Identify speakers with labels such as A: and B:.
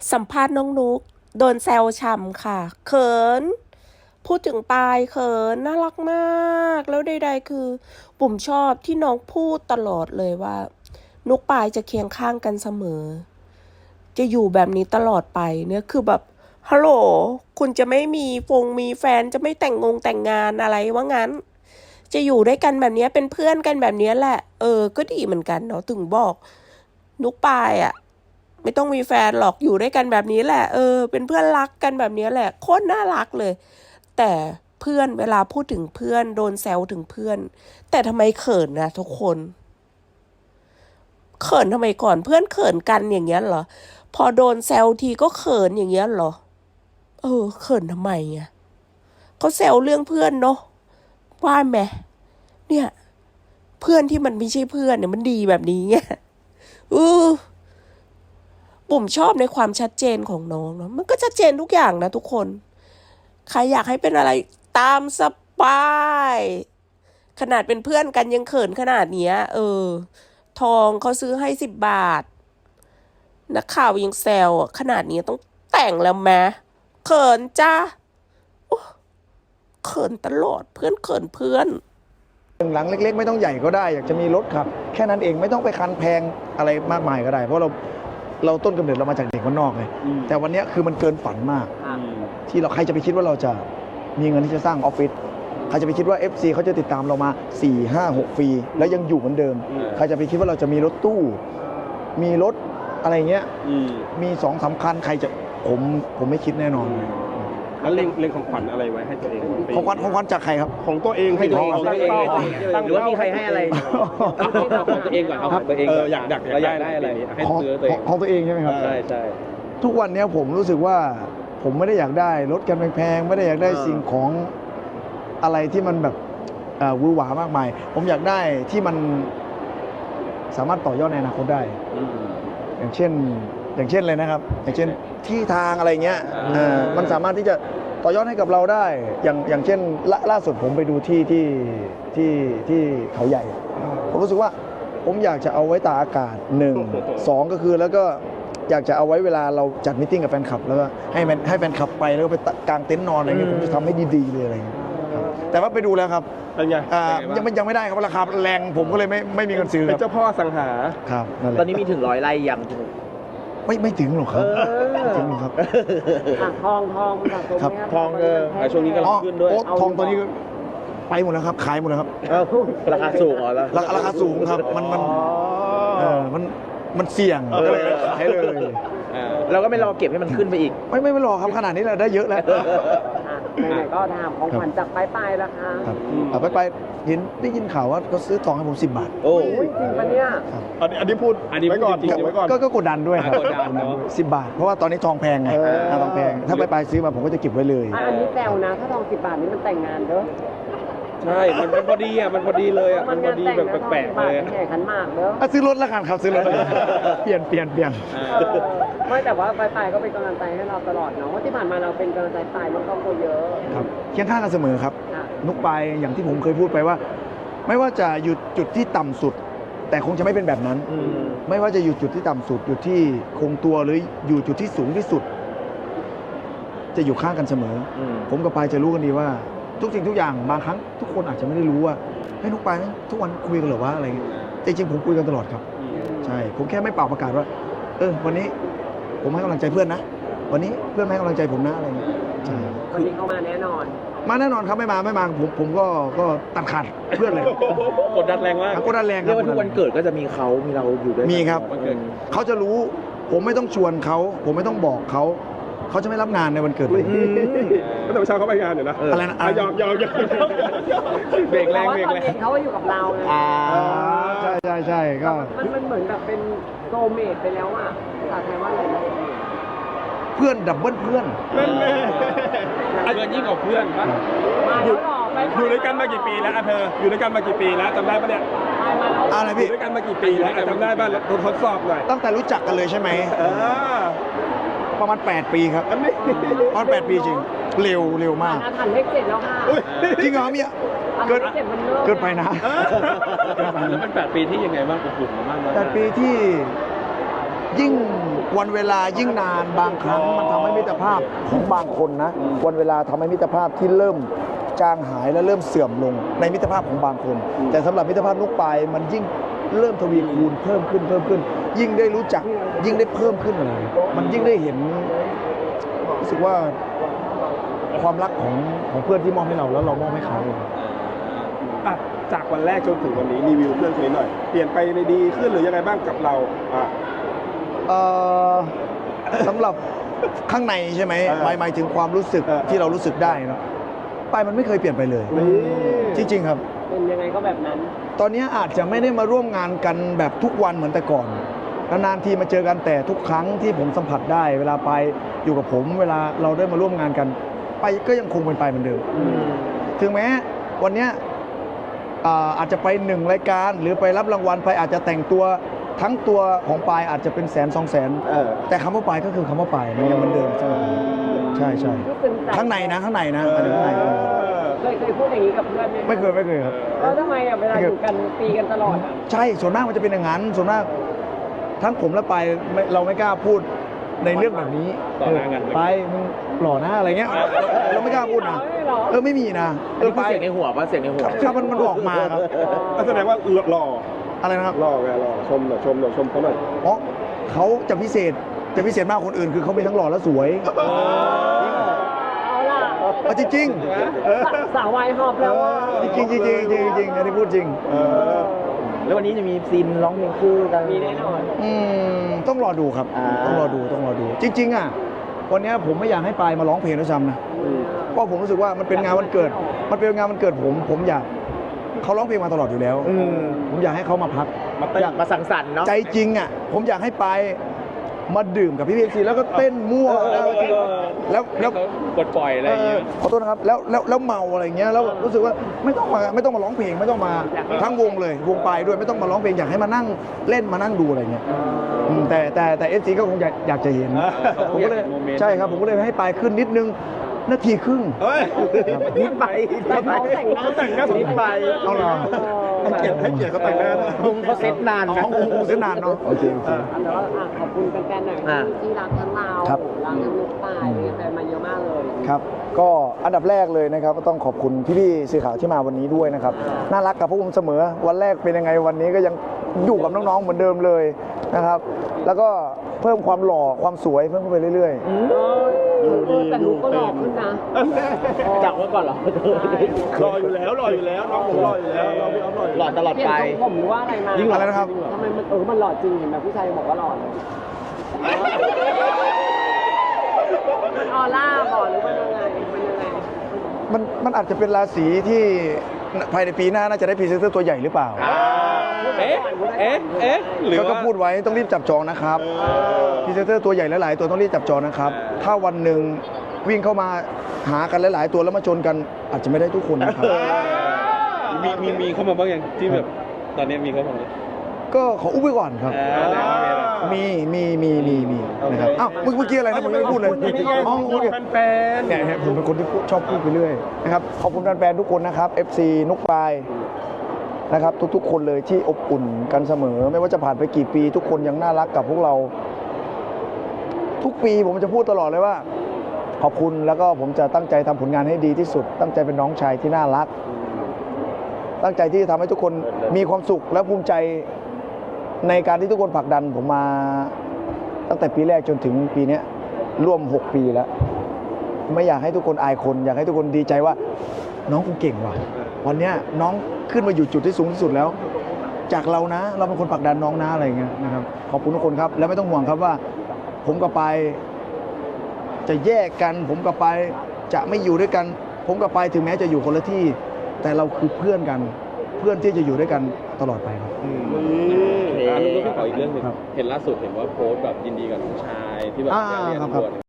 A: สัมภาษณ์น้องนุกโดนแซวฉ่ำค่ะเขินพูดถึงปายเขินน่ารักมากแล้วใดๆคือปุ่มชอบที่น้องพูดตลอดเลยว่านุกปายจะเคียงข้างกันเสมอจะอยู่แบบนี้ตลอดไปเนี่ยคือแบบฮัลโหลคุณจะไม่มีแฟนจะไม่แต่งงานอะไรว่างั้นจะอยู่ด้วยกันแบบนี้เป็นเพื่อนกันแบบนี้แหละก็ดีเหมือนกันเนาะถึงบอกนุกปายอ่ะไม่ต้องมีแฟนหรอกอยู่ด้วยกันแบบนี้แหละเป็นเพื่อนรักกันแบบนี้แหละโคตรน่ารักเลยแต่เพื่อนเวลาพูดถึงเพื่อนโดนแซวถึงเพื่อนแต่ทำไมเขินนะทุกคนเขินทำไมก่อนเพื่อนเขินกันอย่างเงี้ยเหรอพอโดนแซวทีก็เขินอย่างเงี้ยเหรอเขินทำไมอ่ะเขาแซวเรื่องเพื่อนเนาะว่าไหมเนี่ยเพื่อนที่มันไม่ใช่เพื่อนเนี่ยมันดีแบบนี้ไงปุ่มชอบในความชัดเจนของน้องเนาะมันก็ชัดเจนทุกอย่างนะทุกคนใครอยากให้เป็นอะไรตามสบายขนาดเป็นเพื่อนกันยังเขินขนาดเนี้ยทองเขาซื้อให้10 บาทนักข่าวยังแซวขนาดนี้ต้องแต่งแล้วแม้เขินจ้าเขินตลอดเพื่อนเขินเพื่อน
B: หลังเล็กๆไม่ต้องใหญ่ก็ได้อยากจะมีรถขับแค่นั้นเองไม่ต้องไปคันแพงอะไรมากมายก็ได้เพราะเราต้นกำเนิดเรามาจากเด็กคนนอกไงแต่วันนี้คือมันเกินฝันมากที่ใครจะไปคิดว่าเราจะมีเงินที่จะสร้างออฟฟิศใครจะไปคิดว่า FC เขาจะติดตามเรามา4 5 6 ปีแล้วยังอยู่เหมือนเดิมใครจะไปคิดว่าเราจะมีรถตู้มีรถอะไรเงี้ยมี2-3 คันใครจะผมไม่คิดแน่นอน
C: แล้วเล็งของขวัญอะไรไว้ให้ตัวเอง
B: ของขวัญจากใครครับ
C: ของตัวเองให้ตัวเอง
D: หรือว่ามีใครให้อะไรของตัวเองก่อนเอาของตัวเอง
C: อยากได้อะไรให้ซื้อตัวเอง
B: ของตัวเองใช่ไหมครับ
D: ใช่
B: ทุกวันนี้ผมรู้สึกว่าผมไม่ได้อยากได้รถกันแพงๆไม่ได้อยากได้สิ่งของอะไรที่มันแบบวือหวามากมายผมอยากได้ที่มันสามารถต่อยอดในอนาคตได้อย่างเช่นเลยนะครับอย่างเช่นที่ทางอะไรเงี้ยมันสามารถที่จะต่อยอดให้กับเราได้อย่างเช่นล่าสุดผมไปดูที่เขาใหญ่ผมรู้สึกว่าผมอยากจะเอาไว้ตากอากาศ1 2ก็คือแล้วก็อยากจะเอาไว้เวลาเราจัดมิทติ้งกับแฟนคลับแล้วก็ให้แฟนคลับไปแล้วก็ไปกางเต็นท์นอนอะไรเงี้ยผมจะทำให้ดีๆเลยอะไรเงี้ยแต่ว่าไปดูแล้วครับ
C: เป็นไง
B: ยังไม่ได้ครับราคาแรงผมก็เลยไม่มีเงินซื้อ
C: เป็นเจ้าพ่อสังหา
B: ครับ
D: ตอนนี้มีถึง100 ไร่ยัง
B: ไม่ถึงหรอกครับไม่ถึงหรอกครับ
E: ทอง
B: ครับ
C: ทองช่วงนี้กำลังขึ้นด้วย
B: ทองตัวนี้ไปหมดแล้วครับขายหมดแล้วครับ
D: ราคาสูงเหรอ
B: ราคาสูงครับมันเสี่ยงก็เลยขายเลย
D: เราก็ไม่รอเก็บให้มันขึ้นไปอีก
B: ไม่รอครับขนาดนี้เราได้เยอะแล้ว
E: ไหนก็ถามของขวัญจากปลายราคา
B: ไปได้ยินข่าวว่าเขาซื้อทองให้ผม10 บาท
E: โอ้ยจริงปะเนี่ย
C: อันนี้พูดไว้ก่อน
B: ก็กดดันด้วยครับ10 บาทเพราะว่าตอนนี้ทองแพงไงทองแพงถ้าไปซื้อมาผมก็จะเก็บไว้เลย
E: อันนี้แซวนะถ้าทอง10 บาทนี้มันแต่งงานเด้อ
C: ใช่มันพอดีมันพอดีเลยมันพอดีแบบแปลกๆเลย
E: แข่ขันมากเด้อ
B: ซื้อรถแล้วกันครับซื้อรถเปลี่ยน
E: ไม่แต่ว่าปลายก็เป็นกำลังใจให้เราตลอดเนาะว่าที่ผ่านมาเราเป็นกำลังใจปลายมันก็โคเยอะ
B: ครับเคียงข้างกันเสมอครับนุกปลายอย่างที่ผมเคยพูดไปว่าไม่ว่าจะอยู่จุดที่ต่ำสุดแต่คงจะไม่เป็นแบบนั้นไม่ว่าจะอยู่จุดที่ต่ำสุดอยู่ที่คงตัวหรืออยู่จุดที่สูงที่สุดจะอยู่ข้างกันเสมอผมกับปลายจะรู้กันดีว่าทุกสิ่งทุกอย่างบางครั้งทุกคนอาจจะไม่ได้รู้ว่าให้นุกปลายทุกวันคุยกันหรือว่าอะไรเงี้ยจริงๆผมคุยกันตลอดครับใช่ผมแค่ไม่เป่าประกาศว่าวันนี้ผมให้กำลังใจเพื่อนนะวันนี้เพื่อนให้กำลังใจผมนะอะไรเงี้ยใช่
E: วันนี้เขามาแน่นอน
B: ครับไม่มาผมก็ตัดขาดเพื่อนเลย
C: กดดันแรงมาก
B: กดดันแรงครับ
D: ทุกวันเกิดก็จะมีเราอยู่ด้วย
B: มีครับเขาจะรู้ผมไม่ต้องชวนเขาผมไม่ต้องบอกเขาจะไม่รับงานในวันเกิดเลย
C: ก็แต่เช้าเขาไปงานอยู่นะ
B: อะไรนะ
C: ยอมเบรกแรง
E: เขาอยู่กับเราไง
B: ใช่ก็
E: มันเหมือนแบบเป็นโซเมทไปแล้วอ่ะภาษาไทยว่าอะไร
B: เพื่อนดับเบิลเพื่อน
C: ยิ่งกว่าเพื่อนอยู่ด้วยกันมากี่ปีแล้วเธออยู่ด้วยกันมากี่ปีแล้วจำได้ปะเนี่ย
B: อะไรพี่
C: อยู่ด้วยกันมากี่ปีแล้วจำได้ป่ะทดสอบหน่อย
B: ตั้งแต่รู้จักกันเลยใช่ไหมประมาณ8 ปีครับประมาณ8 ปีจริงเร็วมาก
E: ทันเลข7แล้วค่ะ
B: จริงเหรอมีเกินไปนะ
C: แล้วเป็น8 ปีที่ยังไงบ้างกลุ่มมากเลย
B: 8 ปีที่ยิ่งวันเวลายิ่งนานบางครั้งมันทำให้มิตรภาพของบางคนนะวันเวลาทำให้มิตรภาพที่เริ่มจางหายและเริ่มเสื่อมลงในมิตรภาพของบางคน แต่สำหรับมิตรภาพนุกปายมันยิ่งเริ่มทวีคูณเพิ่มขึ้น ยิ่งได้รู้จักยิ่งได้เพิ่มขึ้นมันยิ่งได้เห็นรู้สึกว่าความรักของเพื่อนที่มอบให้เราแล้วเรามอบให้เขา
C: อ่ะจากวันแรกจนถึงวันนี้รีวิวเพื่อนคนนี้หน่อยเปลี่ยนไปในดีขึ้นหรือยังไงบ้างกับเราอ่ะ
B: เอ่อสำหรับข้างในใช่ไหม หมายถึงความรู้สึกที่เรารู้สึกได้เนาะปายมันไม่เคยเปลี่ยนไปเลย จริงๆครับ
E: เป็นยังไงก็แบบนั้น
B: ตอนนี้อาจจะไม่ได้มาร่วมงานกันแบบทุกวันเหมือนแต่ก่อนนานๆทีมาเจอกันแต่ทุกครั้งที่ผมสัมผัสได้ เวลาไปอยู่กับผมเวลาเราได้มาร่วมงานกันไปก็ยังคงเป็นไปเหมือนเดิมถึงแม้วันเนี้ยอาจจะไป1 รายการหรือไปรับรางวัลไปอาจจะแต่งตัวทั้งตัวของปายอาจจะเป็น100,000-200,000แต่คำว่าปายก็คือคำว่าปายมันยังเหมือนเดิมใช่ไหมใช่ข้างในนะข้างในนะอันนี้ข้างใน
E: เคยพูดอย่างนี้กับเพื่อนไหม
B: ไม่เคยครับ
E: แล้วทำไมอ่ะเวลาอยู่กันตีกันตลอดอ่ะ
B: ใช่ส่วนมากมันจะเป็นอย่างนั้นส่วนมากทั้งผมและปายเราไม่กล้าพูดในเรื่องแบบนี้
D: ต่อหน้ากัน
B: ไปมึงหล่อนะอะไรเงี้ยเราไม่กล้าพูดนะไม่มีนะ
D: อันนี้คือเสียงในหัวป่ะเสียงในหัว
B: ครับมันออกมาครับ
C: ก็แสดงว่าหล่อ
B: อะไรนะครับ
C: หล่อไงหล่อชมหน่อยชมเขาหน่อย
B: เพราะเขาจะพิเศษมากกว่าคนอื่นคือเขาเป็นทั้งหล่อและสวย
E: เอาล่ะ
B: จริง
E: สาววายหอบแล้วว่า
B: จริงอันนี้พูดจริง
D: แล้ววันนี้จะมีซีนร้องเพลงคู่กัน
E: มีแน่นอน
B: ต้องรอดูครับ ต้องรอดูจริงๆอ่ะวันนี้ผมไม่อยากให้ปายมาร้องเพลงด้วยซ้ำนะเพราะผมรู้สึกว่ามันเป็นงานวันเกิดผมอยากเขาร้องเพลงมาตลอดอยู่แล้วผมอยากให้เขามาพัก
D: อยากมาสังสรรค์เนาะ
B: ใจจริงอ่ะผมอยากให้ปายมาดื่มกับพี่ซีแล้วก็เต้นมั่วแล้ว
D: ปลดปล่อยอะไรอย่างเงี้ย
B: ขอโทษนะครับแล้วเมาอะไรเงี้ยแล้วรู้สึกว่าไม่ต้องมาร้องเพลงไม่ต้องมาทั้งวงเลยวงปลายด้วยไม่ต้องมาร้องเพลงอยากให้มานั่งเล่นมานั่งดูอะไรเงี้ยแต่FCก็คงอยากจะเห็นผมก็เลยใช่ครับผมก็เลยให้ปลายขึ้นนิดนึงนาทีครึ่ง
C: เฮ้ย
D: นิดไป
E: แต่เขาแต่งหน้า
C: เขาแต่งหน้าสม
D: นิดไป
B: เอาเหรอ
C: ให้เกียรติเขาแต่งหน้านะ
D: มุมเขาเซ็ตนาน
B: อ๋อ
D: นะ
B: คงเสียนานเนาะโอเค
E: แต่ว่าขอบคุณแฟนๆหน่อยที่รักทั้งเรา
B: ครับ
E: รักทั้งลูกปลายมีแฟนมาเยอะมากเลย
B: ครับก็อันดับแรกเลยนะครับก็ต้องขอบคุณพี่ๆสื่อข่าวที่มาวันนี้ด้วยนะครับน่ารักกับพวกผมเสมอวันแรกเป็นยังไงวันนี้ก็ยังอยู่กับน้องๆเหมือนเดิมเลยนะครับแล้วก็เพิ่มความหล่อความสวยเพิ่มขึ้นไปเรื่อย
E: แต่ลูกก็หล่อขึ้นนะ
D: จากเมื่อก่อนเหรอ
C: หล่ออยู่แล้วน้องผมหล่ออยู่แล้วน้องพี่อ๊อฟหล่ออยู่
D: หล่อตลอดไป
E: เปลี่ยนทรงผมหรือว่าอะไรมา
B: ยิ่งอะไรนะครับ
E: ทำไมมันหล่อจริงเห็นแบบผู้ชายบอกว่าหล่อเลยมันออร่าบอกหรือมันยังไง
B: มันอาจจะเป็นราศีที่ภายในปีหน้าน่าจะได้พรีเซนเตอร์ตัวใหญ่หรือเปล่า
D: เอ๊ะหรือ
B: ก็
D: ว่า
B: พูดไว้ต้องรีบจับจองนะครับพรีเซนเตอร์ตัวใหญ่หลายๆตัวต้องรีบจับจองนะครับถ้าวันหนึ่งวิ่งเข้ามาหากันหลายๆตัวแล้วมาชนกันอาจจะไม่ได้ทุกคนนะครับ
D: มีเข้ามาบ้างยังที่แบบตอนนี้มีเข้ามาไหม
B: ก็ขออุ้มไว้ก่อนครับ มีนะครับอ้าวเมื่อกี้อะไรนะผมไม่ได้พูดเลยอ๋อโอเค
C: แฟน
B: เนี่ยผมเป็นคนที่ชอบพูดไปเรื่อยนะครับขอบคุณแฟนๆทุกคนนะครับ FC นุกปลายนะครับทุกๆคนเลยที่อบอุ่นกันเสมอ ไม่ว่าจะผ่านไปกี่ปี ทุกคนยังน่ารักกับพวกเรา ทุกปีผมจะพูดตลอดเลยว่า ขอบคุณแล้วก็ผมจะตั้งใจทำผลงานให้ดีที่สุด ตั้งใจเป็นน้องชายที่น่ารัก ตั้งใจที่จะทำให้ทุกคนมีความสุขและภูมิใจในการที่ทุกคนผลักดันผมมาตั้งแต่ปีแรกจนถึงปีนี้ร่วม6 ปีแล้วไม่อยากให้ทุกคนอายคนอยากให้ทุกคนดีใจว่าน้องกูเก่งว่ะวันเนี้ยน้องขึ้นมาอยู่จุดที่สูงที่สุดแล้ว จากเรานะเราเป็นคนผลักดันน้องนะอะไรอย่างเงี้ยนะครับขอบคุณทุกคนครับแล้วไม่ต้องห่วงครับว่า ผมกับปายจะแยกกันผมกับปายจะไม่อยู่ด้วยกัน ผมกับปายถึงแม้จะอยู่คนละที่ แต่เราคือเพื่อนกันเพื่อนที่จะอยู่ด้วยกันตลอดไปครับ
D: ลูกพี่ขออีกเรื่องหนึ่งเห็นล่าสุดเห็นว่าโพสต์แบบยินดีกับน้องชายที่แบบ
B: อ่า
D: เรียน
B: ครับ
D: ตำรวจ